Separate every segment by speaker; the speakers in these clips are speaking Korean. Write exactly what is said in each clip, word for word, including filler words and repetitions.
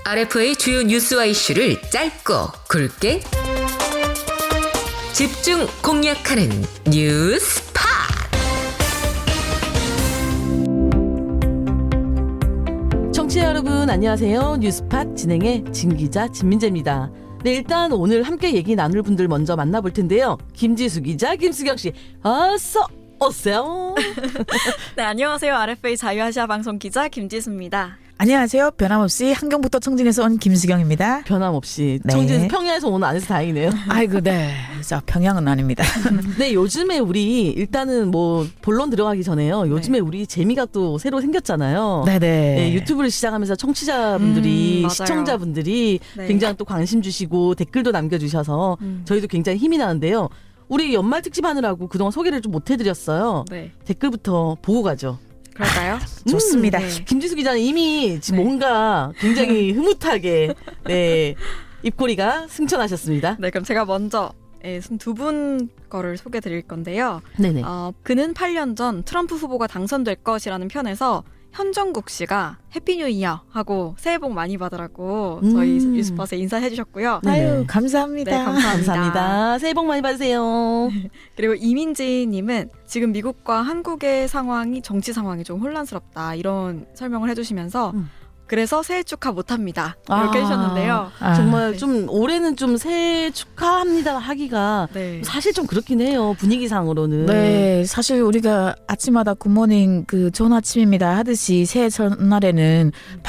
Speaker 1: 알에프의 주요 뉴스와 이슈를 짧고 굵게 집중 공략하는 뉴스팟.
Speaker 2: 청취자 여러분 안녕하세요. 뉴스팟 진행의 진기자 진민재입니다. 네, 일단 오늘 함께 얘기 나눌 분들 먼저 만나볼 텐데요. 김지수 기자, 김수경 씨, 어서 오세요.
Speaker 3: 네, 안녕하세요. 알에프의 자유아시아 방송 기자 김지수입니다.
Speaker 4: 안녕하세요. 변함없이 한경부터 청진에서 온 김수경입니다.
Speaker 2: 변함없이
Speaker 4: 네.
Speaker 2: 청진에서 평야에서 오늘 안 해서 다행이네요.
Speaker 4: 아이고, 네. 자, 평양은 아닙니다.
Speaker 2: 네, 요즘에 우리 일단은 뭐 본론 들어가기 전에요. 요즘에
Speaker 3: 네.
Speaker 2: 우리 재미가 또 새로 생겼잖아요.
Speaker 4: 네네.
Speaker 2: 네, 유튜브를 시작하면서 청취자분들이
Speaker 3: 음, 맞아요.
Speaker 2: 시청자분들이
Speaker 3: 네.
Speaker 2: 굉장히 또 관심 주시고 댓글도 남겨주셔서
Speaker 3: 음.
Speaker 2: 저희도 굉장히 힘이 나는데요. 우리 연말 특집 하느라고 그동안 소개를 좀 못 해드렸어요.
Speaker 3: 네,
Speaker 2: 댓글부터 보고 가죠.
Speaker 3: 그럴까요?
Speaker 4: 좋습니다.
Speaker 3: 네.
Speaker 2: 김지수 기자는 이미 지금
Speaker 3: 네.
Speaker 2: 뭔가 굉장히 흐뭇하게 네, 입꼬리가 승천하셨습니다.
Speaker 3: 네, 그럼 제가 먼저 두 분 거를 소개드릴 건데요.
Speaker 2: 네네.
Speaker 3: 어, 그는 팔 년 전 트럼프 후보가 당선될 것이라는 편에서 현정국 씨가 해피 뉴 이어 하고 새해 복 많이 받으라고 저희
Speaker 2: 음.
Speaker 3: 뉴스팟에 인사해 주셨고요.
Speaker 2: 네.
Speaker 4: 아유, 감사합니다.
Speaker 3: 네, 감사합니다.
Speaker 2: 감사합니다. 새해 복 많이 받으세요.
Speaker 3: 그리고 이민지 님은 지금 미국과 한국의 상황이 정치 상황이 좀 혼란스럽다 이런 설명을 해주시면서
Speaker 2: 음.
Speaker 3: 그래서 새해 축하 못합니다 이렇게
Speaker 2: 아.
Speaker 3: 해주셨는데요.
Speaker 4: 아,
Speaker 2: 정말
Speaker 3: 네.
Speaker 2: 좀 올해는 좀 새해 축하합니다 하기가
Speaker 3: 네.
Speaker 2: 사실 좀 그렇긴 해요. 분위기상으로는.
Speaker 4: 네, 사실 우리가 아침마다 굿모닝 그 좋은 아침입니다 하듯이 새해 첫날에는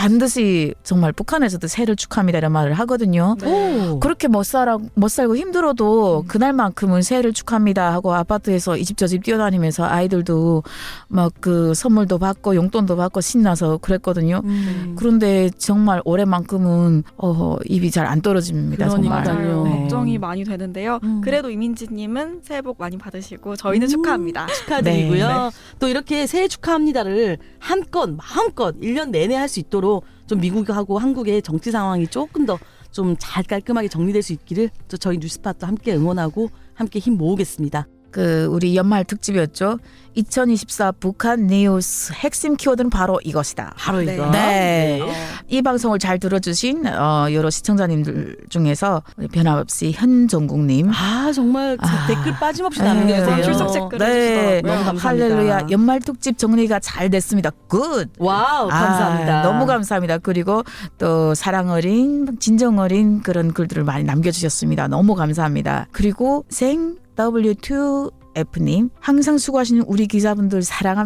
Speaker 4: 반드시 정말 북한에서도 새해를 축하합니다 이런 말을 하거든요.
Speaker 3: 네.
Speaker 2: 오.
Speaker 4: 그렇게 못 살아 못 살고 힘들어도
Speaker 3: 음.
Speaker 4: 그날만큼은 새해를 축하합니다 하고 아파트에서 이 집 저 집 뛰어다니면서 아이들도 막 그 선물도 받고 용돈도 받고 신나서 그랬거든요.
Speaker 2: 음.
Speaker 4: 그런데 정말 올해만큼은 어, 입이 잘 안 떨어집니다. 정말.
Speaker 2: 그러니까요.
Speaker 3: 맞아요.
Speaker 2: 네.
Speaker 3: 걱정이 많이 되는데요.
Speaker 2: 음.
Speaker 3: 그래도 이민지님은 새해 복 많이 받으시고 저희는
Speaker 2: 음.
Speaker 3: 축하합니다.
Speaker 2: 축하드리고요.
Speaker 4: 네.
Speaker 2: 또 이렇게 새해 축하합니다를 한껏 마음껏 일 년 내내 할 수 있도록 좀 미국하고 한국의 정치 상황이 조금 더 좀 잘 깔끔하게 정리될 수 있기를 또 저희 뉴스팟도 함께 응원하고 함께 힘 모으겠습니다.
Speaker 4: 그 우리 연말 특집이었죠. 이천이십사 북한 뉴스 핵심 키워드는 바로 이것이다.
Speaker 2: 바로
Speaker 3: 네.
Speaker 2: 이거.
Speaker 4: 네.
Speaker 3: 어,
Speaker 4: 이 방송을 잘 들어주신 어, 여러 시청자님들 중에서 우리 변함없이 현정국님,
Speaker 2: 아 정말
Speaker 4: 아.
Speaker 2: 댓글 빠짐없이
Speaker 4: 네.
Speaker 2: 남겨주세요.
Speaker 3: 출석 체크를
Speaker 4: 네,
Speaker 3: 해주시더라고요.
Speaker 2: 너무 감사합니다.
Speaker 4: 할렐루야. 연말 특집 정리가 잘 됐습니다. 굿.
Speaker 2: 와우 감사합니다.
Speaker 4: 아, 너무 감사합니다. 그리고 또 사랑 어린, 진정 어린 그런 글들을 많이 남겨주셨습니다. 너무 감사합니다. 그리고 생 더블유 투 에프님 항상 수고하시는 우리 기자분들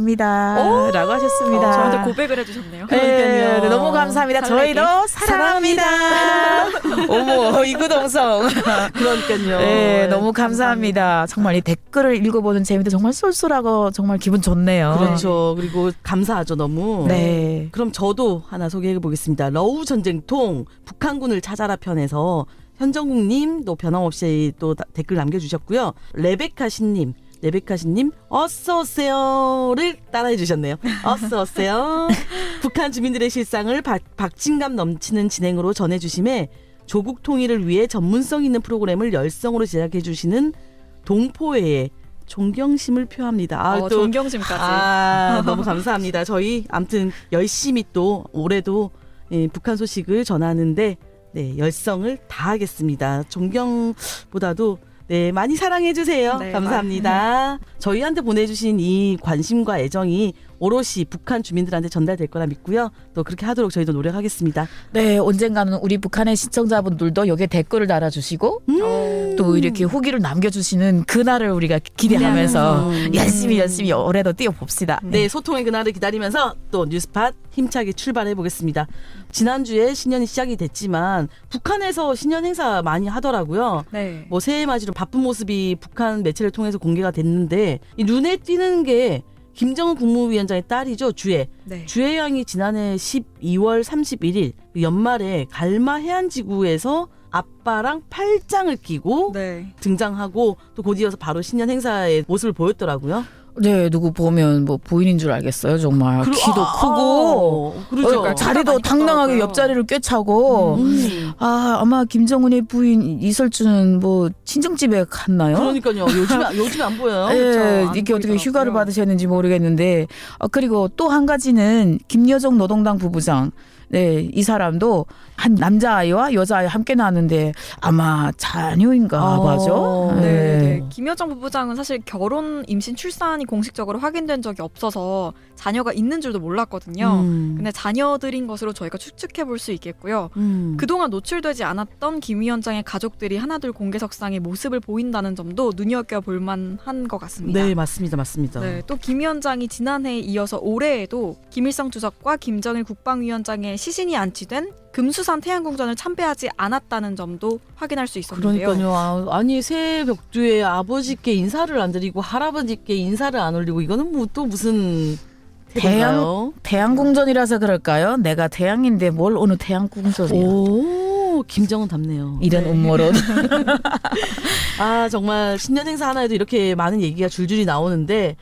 Speaker 4: 사랑합니다.
Speaker 2: 오!
Speaker 4: 라고 하셨습니다.
Speaker 3: 어, 저한테 고백을 해주셨네요.
Speaker 4: 네,
Speaker 2: 그러니까요.
Speaker 4: 네, 너무 감사합니다.
Speaker 3: 설레게.
Speaker 4: 저희도 사랑합니다. 어머, 이구동성.
Speaker 2: 그러니까요.
Speaker 4: 네, 너무 감사합니다. 정말 이 댓글을 읽어보는 재미도 정말 쏠쏠하고 정말 기분 좋네요.
Speaker 2: 그렇죠. 그리고 감사하죠 너무.
Speaker 4: 네.
Speaker 2: 그럼 저도 하나 소개해 보겠습니다. 러우 전쟁통 북한군을 찾아라 편에서 현정국님 또 변함없이 또 다- 댓글 남겨주셨고요. 레베카 신님, 레베카 신님 어서 오세요를 따라해 주셨네요. 어서 오세요. 북한 주민들의 실상을 박, 박진감 넘치는 진행으로 전해주심에 조국 통일을 위해 전문성 있는 프로그램을 열성으로 제작해 주시는 동포회에 존경심을 표합니다. 아,
Speaker 3: 어,
Speaker 2: 또
Speaker 3: 존경심까지.
Speaker 2: 아, 너무 감사합니다. 저희 아무튼 열심히 또 올해도 예, 북한 소식을 전하는데 네, 열성을 다하겠습니다. 존경보다도 네, 많이 사랑해 주세요.
Speaker 3: 네,
Speaker 2: 감사합니다. 저희한테 보내주신 이 관심과 애정이 오롯이 북한 주민들한테 전달될 거라 믿고요. 또 그렇게 하도록 저희도 노력하겠습니다.
Speaker 4: 네, 언젠가는 우리 북한의 시청자분들도 여기에 댓글을 달아주시고
Speaker 3: 어,
Speaker 4: 또 이렇게 후기를 남겨주시는 그날을 우리가 기대하면서
Speaker 2: 음.
Speaker 4: 열심히 열심히 올해도 뛰어봅시다.
Speaker 2: 네, 소통의 그날을 기다리면서 또 뉴스팟 힘차게 출발해 보겠습니다. 지난주에 신년이 시작이 됐지만 북한에서 신년 행사 많이 하더라고요.
Speaker 3: 네.
Speaker 2: 뭐 새해 맞이로 바쁜 모습이 북한 매체를 통해서 공개가 됐는데 이 눈에 띄는 게 김정은 국무위원장의 딸이죠. 주혜.
Speaker 3: 네.
Speaker 2: 주혜 양이 지난해 십이월 삼십일일 연말에 갈마 해안지구에서 아빠랑 팔짱을 끼고
Speaker 3: 네.
Speaker 2: 등장하고 또 곧 이어서 바로 신년 행사의 모습을 보였더라고요.
Speaker 4: 네, 누구 보면 뭐 부인인 줄 알겠어요. 정말
Speaker 2: 그리고-
Speaker 4: 키도
Speaker 2: 아,
Speaker 4: 크고
Speaker 2: 아, 그러죠.
Speaker 4: 어, 자리도
Speaker 3: 많이
Speaker 4: 당당하게
Speaker 3: 컸더라고요.
Speaker 4: 옆자리를 꿰차고
Speaker 2: 음.
Speaker 4: 아 아마 김정은의 부인 이설주는 뭐 친정집에 갔나요?
Speaker 2: 그러니까요. 요즘에 요즘에 안 보여요.
Speaker 4: 예,
Speaker 3: 그렇죠. 안
Speaker 4: 이게 어떻게
Speaker 3: 보이더라고요.
Speaker 4: 휴가를 받으셨는지 모르겠는데 어, 그리고 또 한 가지는 김여정 노동당 부부장 네, 이 사람도 한 남자아이와 여자아이 함께 낳았는데 아마 자녀인가
Speaker 2: 어.
Speaker 4: 봐죠.
Speaker 3: 네,
Speaker 4: 네.
Speaker 3: 네. 김여정 부부장은 사실 결혼, 임신, 출산이 공식적으로 확인된 적이 없어서 자녀가 있는 줄도 몰랐거든요.
Speaker 2: 음.
Speaker 3: 근데 자녀들인 것으로 저희가 추측해 볼 수 있겠고요.
Speaker 2: 음.
Speaker 3: 그동안 노출되지 않았던 김 위원장의 가족들이 하나둘 공개석상에 모습을 보인다는 점도 눈여겨볼 만한 것 같습니다.
Speaker 2: 네, 맞습니다. 맞습니다.
Speaker 3: 네, 또 김 위원장이 지난해에 이어서 올해에도 김일성 주석과 김정일 국방위원장의 시신이 안치된 금수산 태양궁전을 참배하지 않았다는 점도 확인할 수 있었는데요.
Speaker 2: 그러니까요. 아, 아니 새해 벽두에 아버지께 인사를 안 드리고 할아버지께 인사를 안 올리고 이거는 뭐 또 무슨 태양가요?
Speaker 4: 태양궁전이라서 그럴까요? 내가 태양인데 뭘 어느 태양궁전이야.
Speaker 2: 오, 김정은답네요.
Speaker 4: 이런
Speaker 3: 네.
Speaker 4: 음모론.
Speaker 2: 아, 정말 신년 행사 하나에도 이렇게 많은 얘기가 줄줄이 나오는데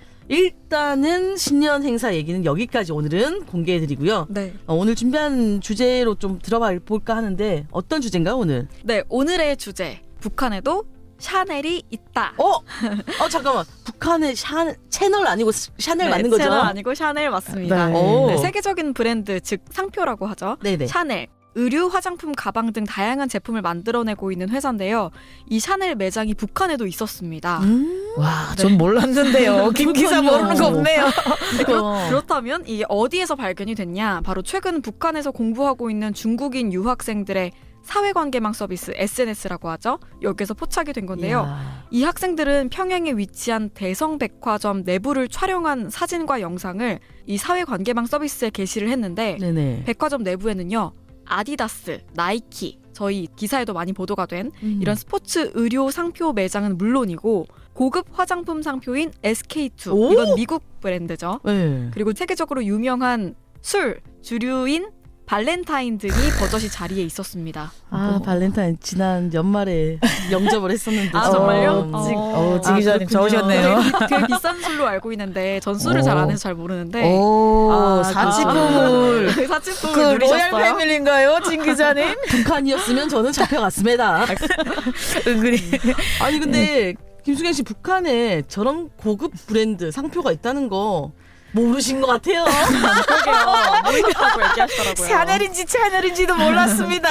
Speaker 2: 일단은 신년 행사 얘기는 여기까지 오늘은 공개해드리고요.
Speaker 3: 네.
Speaker 2: 어, 오늘 준비한 주제로 좀 들어봐 볼까 하는데 어떤 주제인가요 오늘?
Speaker 3: 네, 오늘의 주제. 북한에도 샤넬이 있다.
Speaker 2: 어? 어 잠깐만. 북한의 샤, 채널 아니고 샤넬
Speaker 3: 네,
Speaker 2: 맞는 거죠?
Speaker 3: 채널 아니고 샤넬 맞습니다.
Speaker 4: 네.
Speaker 2: 오.
Speaker 3: 네, 세계적인 브랜드, 즉 상표라고 하죠.
Speaker 2: 네네.
Speaker 3: 샤넬. 의류, 화장품, 가방 등 다양한 제품을 만들어내고 있는 회사인데요. 이 샤넬 매장이 북한에도 있었습니다.
Speaker 2: 음.
Speaker 4: 와, 전 몰랐는데요. 김 기사
Speaker 2: 그렇군요.
Speaker 4: 모르는 거 없네요.
Speaker 2: 그러니까.
Speaker 3: 그렇다면 이게 어디에서 발견이 됐냐? 바로 최근 북한에서 공부하고 있는 중국인 유학생들의 사회관계망 서비스 에스엔에스라고 하죠. 여기서 포착이 된 건데요.
Speaker 2: 이야.
Speaker 3: 이 학생들은 평양에 위치한 대성백화점 내부를 촬영한 사진과 영상을 이 사회관계망 서비스에 게시를 했는데
Speaker 2: 네네.
Speaker 3: 백화점 내부에는요. 아디다스, 나이키, 저희 기사에도 많이 보도가 된
Speaker 2: 음.
Speaker 3: 이런 스포츠 의료 상표 매장은 물론이고 고급 화장품 상표인 에스케이투,
Speaker 2: 오!
Speaker 3: 이건 미국 브랜드죠.
Speaker 2: 네.
Speaker 3: 그리고 세계적으로 유명한 술, 주류인 발렌타인 등이 버젓이 자리에 있었습니다.
Speaker 2: 아, 발렌타인 지난 연말에 영접을 했었는데.
Speaker 3: 아,
Speaker 2: 좀-
Speaker 3: 정말요?
Speaker 2: 어,
Speaker 4: 지,
Speaker 3: 어.
Speaker 4: 어, 지 기자님
Speaker 2: 아, 그렇군요.
Speaker 4: 좋으셨네요.
Speaker 3: 되게, 되게 비싼 술로 알고 있는데 전 술을
Speaker 4: 오.
Speaker 3: 잘 안 해서 잘 모르는데
Speaker 4: 오,
Speaker 2: 아,
Speaker 4: 사치품을.
Speaker 3: 그 사치품을
Speaker 4: 그 로얄
Speaker 3: 누리셨어요?
Speaker 4: 패밀리인가요, 진 기자님?
Speaker 2: 북한이었으면 저는 잡혀갔습니다.
Speaker 4: 은근히.
Speaker 2: 아니 근데 김수경 씨 북한에 저런 고급 브랜드 상표가 있다는 거 모르신 것 같아요.
Speaker 3: 그러게요. 모르겠다고 얘기하시더라고요.
Speaker 4: 샤넬인지 채널인지도 몰랐습니다.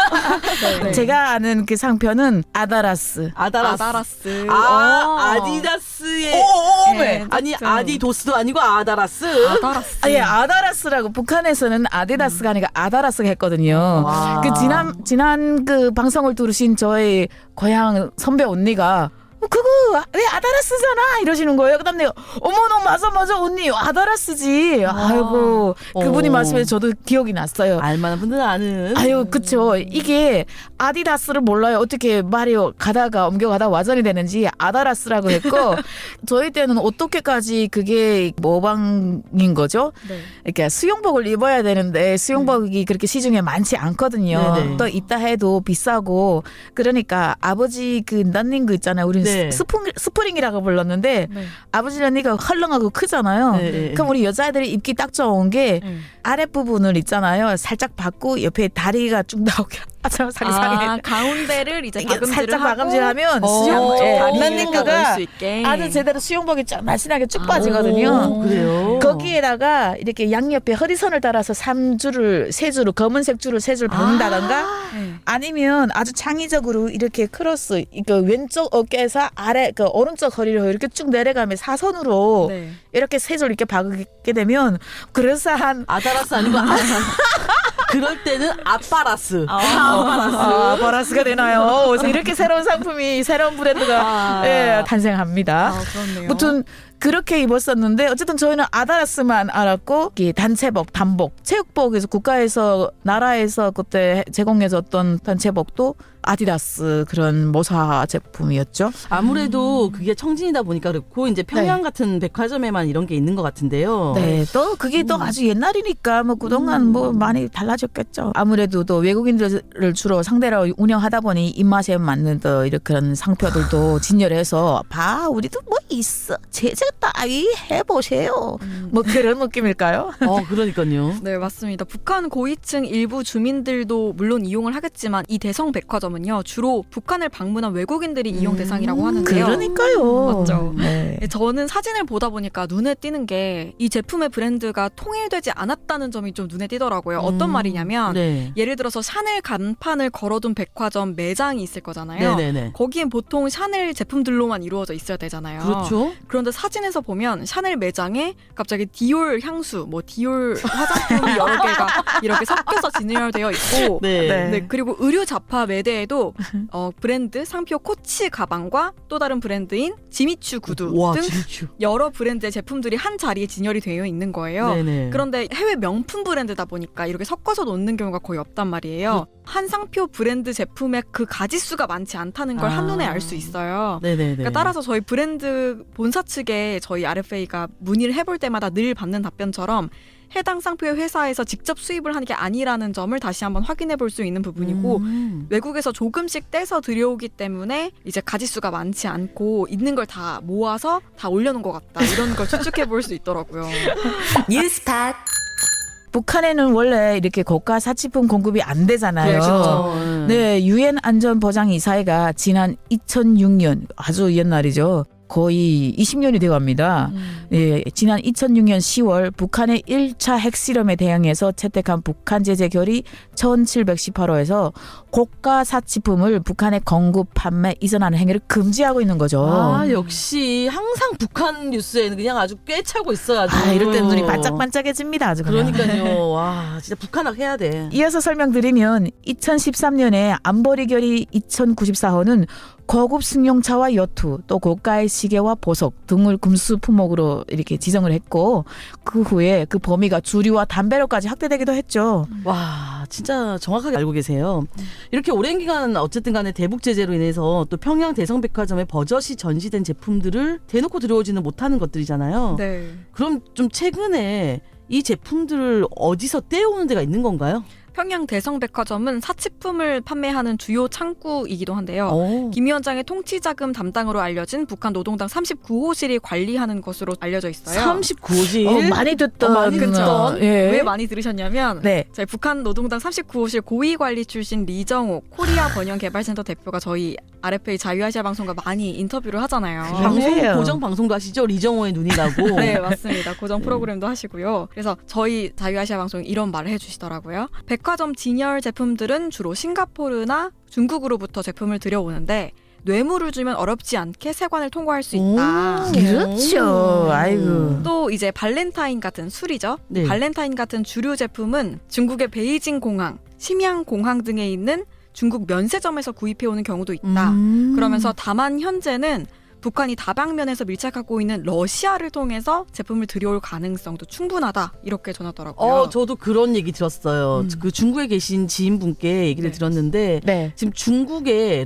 Speaker 3: 네.
Speaker 4: 제가 아는 그 상표는 아다라스.
Speaker 2: 아다라스.
Speaker 3: 아다라스.
Speaker 2: 아,
Speaker 3: 어.
Speaker 2: 아디다스의
Speaker 4: 오오오메.
Speaker 3: 네.
Speaker 2: 아니
Speaker 3: 진짜.
Speaker 2: 아디도스도 아니고 아다라스.
Speaker 3: 아다라스.
Speaker 4: 아, 예, 아다라스라고 북한에서는 아디다스가 아니라 아다라스가 했거든요.
Speaker 2: 와.
Speaker 4: 그 지난 지난 그 방송을 들으신 저의 고향 선배 언니가 어, 그거 왜 아다라스잖아 이러시는 거예요. 그다음 내가 어머너 맞아 맞아 언니 아다라스지. 아이고 그분이
Speaker 2: 어.
Speaker 4: 말씀해서 저도 기억이 났어요.
Speaker 2: 알만한 분들은 아는.
Speaker 4: 아유 그쵸. 이게 아디다스를 몰라요. 어떻게 말이 가다가 옮겨가다 와전이 되는지 아다라스라고 했고 저희 때는 어떻게까지 그게 모방인 거죠.
Speaker 3: 네.
Speaker 4: 그러니까 수영복을 입어야 되는데 수영복이 그렇게 시중에 많지 않거든요.
Speaker 2: 네네.
Speaker 4: 또 있다 해도 비싸고 그러니까 아버지 그 런닝 그 있잖아요. 우리는
Speaker 2: 네.
Speaker 4: 스프링, 스프링이라고 불렀는데
Speaker 3: 네.
Speaker 4: 아버지 런닝가 헐렁하고 크잖아요.
Speaker 2: 네, 네.
Speaker 4: 그럼 우리 여자애들이 입기 딱 좋은 게
Speaker 3: 네.
Speaker 4: 아랫부분을 있잖아요. 살짝 받고 옆에 다리가 쭉 나오게. 아, 참 상상해.
Speaker 3: 아, 가운데를 이제
Speaker 4: 이게
Speaker 3: 박음질을
Speaker 4: 살짝
Speaker 3: 하고
Speaker 4: 박음질하면
Speaker 2: 어,
Speaker 4: 수영
Speaker 2: 예,
Speaker 3: 다리가
Speaker 4: 런닝크가
Speaker 3: 넣을 수 있게.
Speaker 4: 아주 제대로 수영복이 쫙 날씬하게 쭉
Speaker 3: 아,
Speaker 4: 빠지거든요.
Speaker 2: 오, 그래요.
Speaker 4: 거기에다가 이렇게 양옆에 허리선을 따라서 삼 줄을 세 줄을 검은색 줄을 세 줄 박는다던가
Speaker 3: 네.
Speaker 4: 아니면 아주 창의적으로 이렇게 크로스 그 왼쪽 어깨에서 아래 그 오른쪽 허리를 이렇게 쭉 내려가며 사선으로
Speaker 3: 네.
Speaker 4: 이렇게 세 줄 이렇게 박게 되면 그럴싸한
Speaker 2: 아다라스 아니고 아, 그럴 때는 아빠라스.
Speaker 4: 아, 바라스가 되나요? 그래서 이렇게 새로운 상품이 새로운 브랜드가
Speaker 2: 아.
Speaker 4: 예, 탄생합니다.
Speaker 3: 아, 그렇네요.
Speaker 4: 무튼 그렇게 입었었는데 어쨌든 저희는 아다라스만 알았고 이 단체복, 단복, 체육복에서 국가에서 나라에서 그때 제공해줬던 단체복도 아디다스 그런 모사 제품이었죠.
Speaker 2: 아무래도 그게 청진이다 보니까 그렇고 이제 평양 같은 백화점에만 이런 게 있는 것 같은데요.
Speaker 4: 네, 또 그게 또 아주 옛날이니까 뭐 그동안 뭐 많이 달라졌겠죠. 아무래도 또 외국인들을 주로 상대로 운영하다 보니 입맛에 맞는 또 이렇게 그런 상표들도 진열해서 봐 우리도 뭐 있어 제작 따위 해보세요.
Speaker 3: 음.
Speaker 4: 뭐 그런 느낌일까요?
Speaker 2: 어, 그러니까요.
Speaker 3: 네, 맞습니다. 북한 고위층 일부 주민들도 물론 이용을 하겠지만 이 대성 백화점은요 주로 북한을 방문한 외국인들이 이용
Speaker 2: 음,
Speaker 3: 대상이라고 하는데요.
Speaker 4: 그러니까요.
Speaker 3: 맞죠.
Speaker 4: 네.
Speaker 3: 네, 저는 사진을 보다 보니까 눈에 띄는 게 이 제품의 브랜드가 통일되지 않았다는 점이 좀 눈에 띄더라고요. 어떤
Speaker 2: 음,
Speaker 3: 말이냐면
Speaker 2: 네.
Speaker 3: 예를 들어서 샤넬 간판을 걸어둔 백화점 매장이 있을 거잖아요.
Speaker 2: 네네네.
Speaker 3: 거기엔 보통 샤넬 제품들로만 이루어져 있어야 되잖아요.
Speaker 2: 그렇죠.
Speaker 3: 그런데 사진에서 보면 샤넬 매장에 갑자기 디올 향수, 뭐 디올 화장품이 여러 개가 이렇게 섞여서 진열되어 있고
Speaker 2: 네.
Speaker 4: 네.
Speaker 3: 네, 그리고 의류 잡화 매대에도 어, 브랜드 상표 코치 가방과 또 다른 브랜드인 지미추 구두
Speaker 2: 와,
Speaker 3: 등
Speaker 2: 진짜.
Speaker 3: 여러 브랜드의 제품들이 한 자리에 진열이 되어 있는 거예요.
Speaker 2: 네네.
Speaker 3: 그런데 해외 명품 브랜드다 보니까 이렇게 섞어서 놓는 경우가 거의 없단 말이에요. 한 상표 브랜드 제품의 그 가지수가 많지 않다는 걸
Speaker 2: 아.
Speaker 3: 한눈에 알 수 있어요.
Speaker 2: 네네네.
Speaker 3: 그러니까 따라서 저희 브랜드 본사 측에 저희 알에프에이가 문의를 해볼 때마다 늘 받는 답변처럼 해당 상표의 회사에서 직접 수입을 하는 게 아니라는 점을 다시 한번 확인해 볼 수 있는 부분이고
Speaker 2: 음.
Speaker 3: 외국에서 조금씩 떼서 들여오기 때문에 이제 가지수가 많지 않고 있는 걸 다 모아서 다 올려놓은 것 같다 이런 걸 추측해 볼 수 있더라고요.
Speaker 1: 뉴스팟
Speaker 4: 북한에는 원래 이렇게 고가 사치품 공급이 안 되잖아요.
Speaker 2: 그렇죠.
Speaker 4: 네, 유엔 안전보장이사회가 지난 이천육 년 아주 옛날이죠. 거의 이십 년이 되어갑니다.
Speaker 3: 음.
Speaker 4: 예, 지난 이천육 년 시월 북한의 일 차 핵실험에 대응해서 채택한 북한 제재 결의 천칠백십팔 호에서 고가 사치품을 북한에 공급, 판매, 이전하는 행위를 금지하고 있는 거죠.
Speaker 2: 아, 역시 항상 북한 뉴스에는 그냥 아주 꿰차고 있어가지고.
Speaker 4: 아, 이럴 때 눈이 반짝반짝해집니다. 아주 그냥.
Speaker 2: 그러니까요. 와, 진짜 북한학 해야 돼.
Speaker 4: 이어서 설명드리면 이천십삼 년에 안보리 결의 이천구십사 호는 고급 승용차와 여투, 또 고가의 시계와 보석 등을 금수 품목으로 이렇게 지정을 했고 그 후에 그 범위가 주류와 담배로까지 확대되기도 했죠.
Speaker 2: 와, 진짜 정확하게 알고 계세요. 이렇게 오랜 기간 어쨌든 간에 대북 제재로 인해서 또 평양 대성백화점에 버젓이 전시된 제품들을 대놓고 들여오지는 못하는 것들이잖아요.
Speaker 3: 네.
Speaker 2: 그럼 좀 최근에 이 제품들을 어디서 떼오는 데가 있는 건가요?
Speaker 3: 평양 대성백화점은 사치품을 판매하는 주요 창구이기도 한데요.
Speaker 2: 오.
Speaker 3: 김 위원장의 통치자금 담당으로 알려진 북한 노동당 삼십구 호실이 관리하는 것으로 알려져 있어요.
Speaker 2: 삼십구 호실.
Speaker 4: 어, 많이 듣던.
Speaker 2: 어, 많이 듣던.
Speaker 4: 예.
Speaker 3: 왜 많이 들으셨냐면
Speaker 4: 네.
Speaker 3: 저희 북한 노동당 삼십구 호실 고위관리 출신 리정호 코리아 번영개발센터 대표가 저희 알에프에이 자유아시아 방송과 많이 인터뷰를 하잖아요.
Speaker 2: 방송
Speaker 4: 그래요.
Speaker 2: 고정 방송도 하시죠? 리정호의 눈이라고.
Speaker 3: 네, 맞습니다. 고정 프로그램도 하시고요. 그래서 저희 자유아시아 방송이 이런 말을 해주시더라고요. 백화점 진열 제품들은 주로 싱가포르나 중국으로부터 제품을 들여오는데 뇌물을 주면 어렵지 않게 세관을 통과할 수 있다.
Speaker 2: 오.
Speaker 4: 그렇죠. 아이고.
Speaker 3: 또 이제 발렌타인 같은 술이죠.
Speaker 2: 네.
Speaker 3: 발렌타인 같은 주류 제품은 중국의 베이징 공항, 심양 공항 등에 있는 중국 면세점에서 구입해오는 경우도 있다.
Speaker 2: 음.
Speaker 3: 그러면서 다만 현재는 북한이 다방면에서 밀착하고 있는 러시아를 통해서 제품을 들여올 가능성도 충분하다 이렇게 전하더라고요.
Speaker 2: 어, 저도 그런 얘기 들었어요.
Speaker 3: 음.
Speaker 2: 그 중국에 계신 지인분께 얘기를
Speaker 3: 네.
Speaker 2: 들었는데
Speaker 4: 네.
Speaker 2: 지금 중국에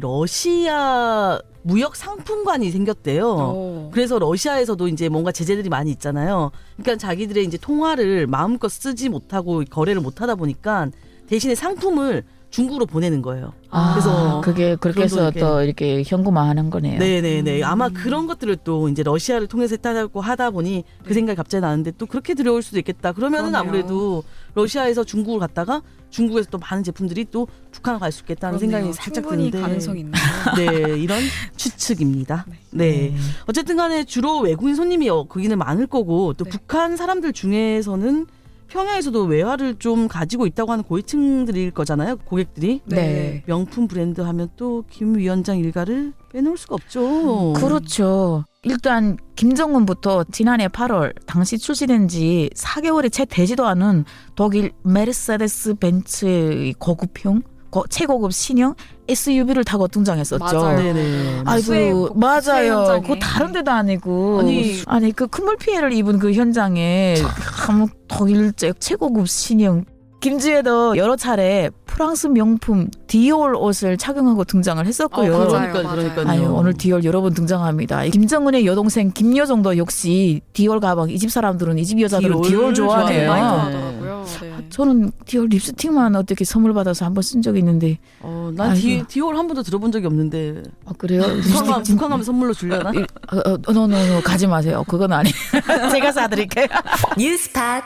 Speaker 2: 러시아 무역 상품관이 생겼대요.
Speaker 3: 오.
Speaker 2: 그래서 러시아에서도 이제 뭔가 제재들이 많이 있잖아요. 그러니까 자기들의 이제 통화를 마음껏 쓰지 못하고 거래를 못 하다 보니까 대신에 상품을 중국으로 보내는 거예요.
Speaker 4: 아,
Speaker 2: 그래서
Speaker 4: 그게 그렇게 해서
Speaker 2: 그런 돈
Speaker 4: 또 이렇게 현금화하는 거네요.
Speaker 2: 네네네.
Speaker 3: 음.
Speaker 2: 아마 그런 것들을 또 이제 러시아를 통해서 했다고 하다 보니 그
Speaker 3: 네.
Speaker 2: 생각이 갑자기 나는데 또 그렇게 들여올 수도 있겠다. 그러면은
Speaker 3: 그러네요.
Speaker 2: 아무래도 러시아에서 중국을 갔다가 중국에서 또 많은 제품들이 또 북한을 갈 수 있겠다는
Speaker 3: 그렇네요.
Speaker 2: 생각이 살짝
Speaker 3: 충분히
Speaker 2: 드는데.
Speaker 3: 가능성이 있네요.
Speaker 2: 네, 이런 추측입니다.
Speaker 3: 네.
Speaker 2: 네. 어쨌든 간에 주로 외국인 손님이 어, 거기는 많을 거고 또
Speaker 3: 네.
Speaker 2: 북한 사람들 중에서는 평양에서도 외화를 좀 가지고 있다고 하는 고위층들일 거잖아요. 고객들이.
Speaker 4: 네.
Speaker 2: 명품 브랜드 하면 또 김 위원장 일가를 빼놓을 수가 없죠.
Speaker 4: 그렇죠. 일단 김정은부터 지난해 팔월 당시 출시된 지 사 개월이 채 되지도 않은 독일 메르세데스 벤츠의 고급형 고, 최고급 신형 에스유브이를 타고 등장했었죠.
Speaker 3: 맞아요.
Speaker 2: 네네.
Speaker 3: 수해
Speaker 4: 아이고
Speaker 3: 고- 수해
Speaker 4: 맞아요.
Speaker 3: 현장에.
Speaker 4: 그거 다른 데도 아니고
Speaker 2: 아니,
Speaker 4: 아니 그 큰 물 피해를 입은 그 현장에 참 독일 최고급 신형 김지혜도 여러 차례 프랑스 명품 디올 옷을 착용하고 등장을 했었고요.
Speaker 2: 어,
Speaker 3: 맞아요,
Speaker 2: 그러니까
Speaker 3: 맞아요.
Speaker 2: 그러니까요.
Speaker 4: 아유, 오늘 디올 여러 번 등장합니다. 김정은의 여동생 김여정도 역시 디올 가방, 이 집 사람들은, 이 집 여자들은 디올,
Speaker 2: 디올
Speaker 4: 좋아해요.
Speaker 3: 많이
Speaker 2: 좋아해요.
Speaker 3: 좋아하더라고요. 네.
Speaker 4: 저는 디올 립스틱만 어떻게 선물 받아서 한번 쓴 적이 있는데.
Speaker 2: 어, 난
Speaker 4: 아이고.
Speaker 2: 디, 디올 한 번도 들어본 적이 없는데.
Speaker 4: 아, 그래요?
Speaker 2: 북한,
Speaker 4: 립스틱
Speaker 2: 북한 가면 선물로 주려나?
Speaker 4: 어, 어, 노노노 가지 마세요. 그건 아니에요. 제가 사드릴게요.
Speaker 1: 뉴스팟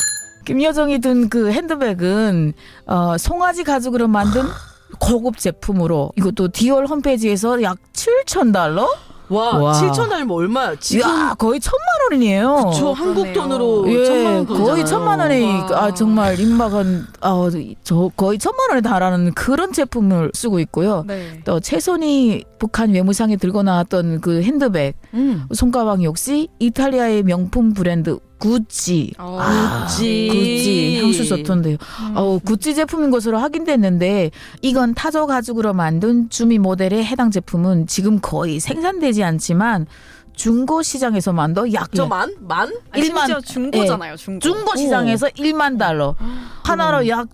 Speaker 4: 김여정이 든 그 핸드백은 어, 송아지 가죽으로 만든 고급 제품으로, 이것도 디올 홈페이지에서 약 칠천 달러?
Speaker 2: 와,
Speaker 4: 와.
Speaker 2: 칠천 달러 얼마야? 지금
Speaker 4: 이야, 거의 천만 원이네요.
Speaker 2: 저 한국
Speaker 3: 그러네요.
Speaker 2: 돈으로
Speaker 4: 예,
Speaker 2: 천만 원 돈이잖아요.
Speaker 4: 거의 천만 원에
Speaker 3: 와.
Speaker 4: 아 정말 임박은 아, 저 거의 천만 원에 달하는 그런 제품을 쓰고 있고요.
Speaker 3: 네.
Speaker 4: 또 최선희 북한 외무상에 들고 나왔던 그 핸드백,
Speaker 2: 음.
Speaker 4: 손가방 역시 이탈리아의 명품 브랜드 구찌.
Speaker 3: 어.
Speaker 4: 아,
Speaker 2: 구찌.
Speaker 4: 구찌 향수 좋던데요.
Speaker 3: 음.
Speaker 4: 어, 구찌 제품인 것으로 확인됐는데, 이건 타조 가죽으로 만든 주미 모델의 해당 제품은 지금 거의 생산되지 않지만 중고 시장에서만도 약
Speaker 2: 저 만? 만?
Speaker 3: 아니,
Speaker 4: 일만-
Speaker 3: 심지어 중고잖아요. 중고.
Speaker 4: 중고 시장에서 일만 달러 하나로 약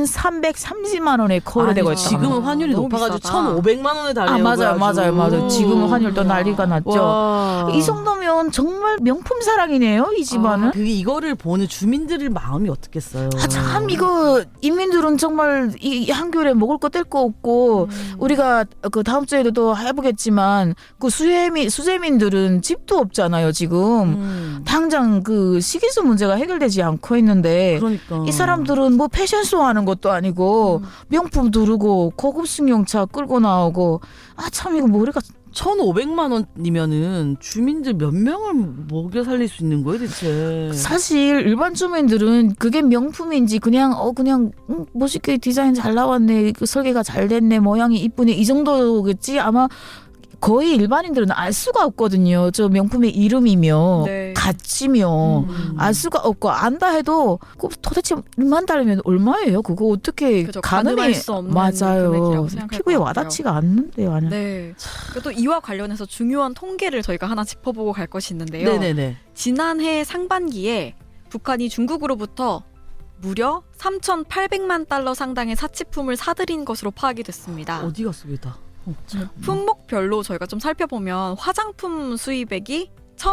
Speaker 4: 천삼백삼십만 원에 거래되고
Speaker 2: 아니,
Speaker 4: 있다.
Speaker 2: 지금은 환율이
Speaker 3: 너무
Speaker 2: 높아가지고
Speaker 3: 비싸다.
Speaker 2: 천오백만 원에 달려요.
Speaker 4: 아, 맞아요, 맞아요, 맞아요. 지금은 환율도 난리가 났죠.
Speaker 2: 와.
Speaker 4: 이 정도면 정말 명품 사랑이네요, 이 집안은.
Speaker 2: 그 이거를 보는 주민들의 마음이 어떻겠어요.
Speaker 4: 아, 참 이거 인민들은 정말 이 한겨울에 먹을 거 뗄 거 없고,
Speaker 3: 음.
Speaker 4: 우리가 그 다음 주에도 또 해보겠지만, 그 수재민 수재민들은 집도 없잖아요 지금.
Speaker 2: 음.
Speaker 4: 당장 그 식이수 문제가 해결되지 않고 있는데,
Speaker 2: 그러니까
Speaker 4: 이 사람들은 뭐 패션쇼 하는 것도 아니고
Speaker 3: 음.
Speaker 4: 명품 두르고 고급 승용차 끌고 나오고, 아 참 이거 머리가.
Speaker 2: 천오백만 원이면은 주민들 몇 명을 먹여 살릴 수 있는 거예요, 대체?
Speaker 4: 사실 일반 주민들은 그게 명품인지 그냥 어 그냥 음, 멋있게 디자인 잘 나왔네, 그 설계가 잘 됐네, 모양이 이쁘네, 이 정도겠지. 아마 거의 일반인들은 알 수가 없거든요. 저 명품의 이름이며
Speaker 3: 네.
Speaker 4: 가치며
Speaker 2: 음.
Speaker 4: 알 수가 없고, 안다 해도 그 도대체 일만 달면 얼마예요? 그거 어떻게
Speaker 3: 그죠,
Speaker 4: 가늠이.
Speaker 3: 가늠할 수 없는
Speaker 4: 맞아요.
Speaker 3: 금액이라고 생각할
Speaker 4: 피부에
Speaker 3: 것 같아요.
Speaker 4: 와닿지가 않는데요. 아니.
Speaker 3: 네. 그리고 또 이와 관련해서 중요한 통계를 저희가 하나 짚어보고 갈 것이 있는데요.
Speaker 2: 네네네.
Speaker 3: 지난해 상반기에 북한이 중국으로부터 무려 삼천팔백만 달러 상당의 사치품을 사들인 것으로 파악이 됐습니다.
Speaker 2: 어디 갔어, 왜 다? 어, 참.
Speaker 3: 품목별로 저희가 좀 살펴보면 화장품 수입액이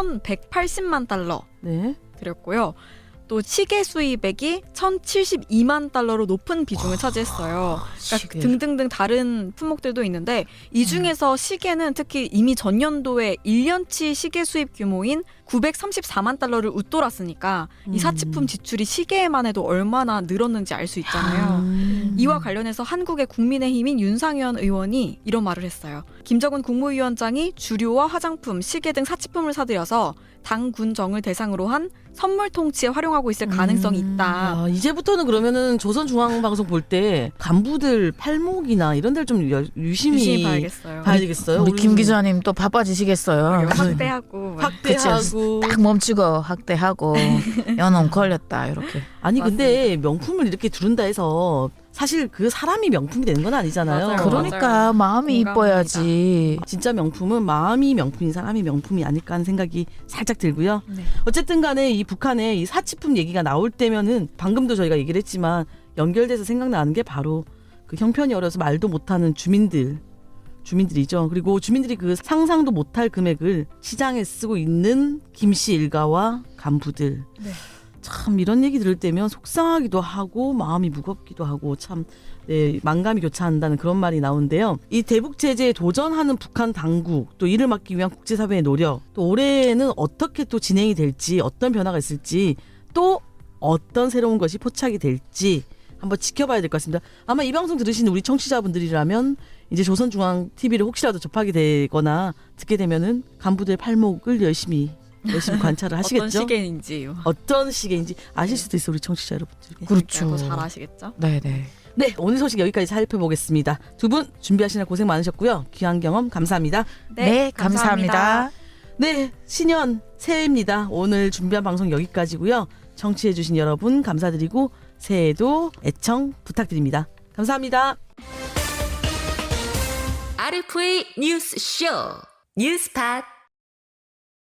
Speaker 3: 천백팔십만 달러
Speaker 2: 네.
Speaker 3: 들였고요. 또 시계 수입액이 천칠십이만 달러로 높은 비중을 차지했어요. 그러니까
Speaker 2: 시계.
Speaker 3: 등등등 다른 품목들도 있는데, 이 중에서 시계는 특히 이미 전년도에 일 년치 시계 수입 규모인 구백삼십사만 달러를 웃돌았으니까
Speaker 2: 음.
Speaker 3: 이 사치품 지출이 시계에만 해도 얼마나 늘었는지 알 수 있잖아요.
Speaker 2: 음.
Speaker 3: 이와 관련해서 한국의 국민의힘인 윤상현 의원이 이런 말을 했어요. 김정은 국무위원장이 주류와 화장품, 시계 등 사치품을 사들여서 당 군정을 대상으로 한 선물 통치에 활용하고 있을 가능성이 있다.
Speaker 2: 아, 이제부터는 그러면은 조선중앙방송 볼 때 간부들 팔목이나 이런 데를 좀 여- 유심히,
Speaker 3: 유심히 봐야겠어요.
Speaker 2: 봐야 되겠어요.
Speaker 4: 우리 김 기자님 또 바빠지시겠어요.
Speaker 3: 확대하고 뭐.
Speaker 2: 확대하고.
Speaker 4: 딱 멈추고 학대하고 연놈 걸렸다 이렇게.
Speaker 2: 아니 근데 명품을 이렇게 두른다 해서 사실 그 사람이 명품이 되는 건 아니잖아요.
Speaker 3: 맞아요.
Speaker 4: 그러니까
Speaker 3: 맞아요.
Speaker 4: 마음이
Speaker 3: 공감합니다.
Speaker 4: 이뻐야지.
Speaker 2: 진짜 명품은 마음이 명품인 사람이 명품이 아닐까 하는 생각이 살짝 들고요.
Speaker 3: 네.
Speaker 2: 어쨌든 간에 이 북한의 이 사치품 얘기가 나올 때면은 방금도 저희가 얘기를 했지만 연결돼서 생각나는 게 바로 그 형편이 어려서 말도 못하는 주민들 주민들이죠. 그리고 주민들이 그 상상도 못할 금액을 시장에 쓰고 있는 김씨 일가와 간부들.
Speaker 3: 네.
Speaker 2: 참 이런 얘기 들을 때면 속상하기도 하고 마음이 무겁기도 하고 참 네, 만감이 교차한다는 그런 말이 나오는데요. 이 대북 제재에 도전하는 북한 당국, 또 이를 막기 위한 국제사회의 노력, 또 올해는 어떻게 또 진행이 될지, 어떤 변화가 있을지, 또 어떤 새로운 것이 포착이 될지 한번 지켜봐야 될 것 같습니다. 아마 이 방송 들으시는 우리 청취자분들이라면 이제 조선중앙티비를 혹시라도 접하게 되거나 듣게 되면은 간부들 팔목을 열심히 열심히 관찰을 하시겠죠.
Speaker 3: 어떤 시계인지
Speaker 2: 어떤 시계인지 아실 수도 있어, 우리 청취자 여러분들.
Speaker 4: 그렇죠.
Speaker 3: 잘 아시겠죠?
Speaker 4: 네네.
Speaker 2: 네, 오늘 소식 여기까지 살펴보겠습니다. 두 분 준비하시느라 고생 많으셨고요. 귀한 경험 감사합니다.
Speaker 4: 네, 감사합니다.
Speaker 2: 네, 신년 새해입니다. 오늘 준비한 방송 여기까지고요. 청취해주신 여러분 감사드리고 새해에도 애청 부탁드립니다. 감사합니다.
Speaker 1: 아르프의 뉴스쇼 뉴스팟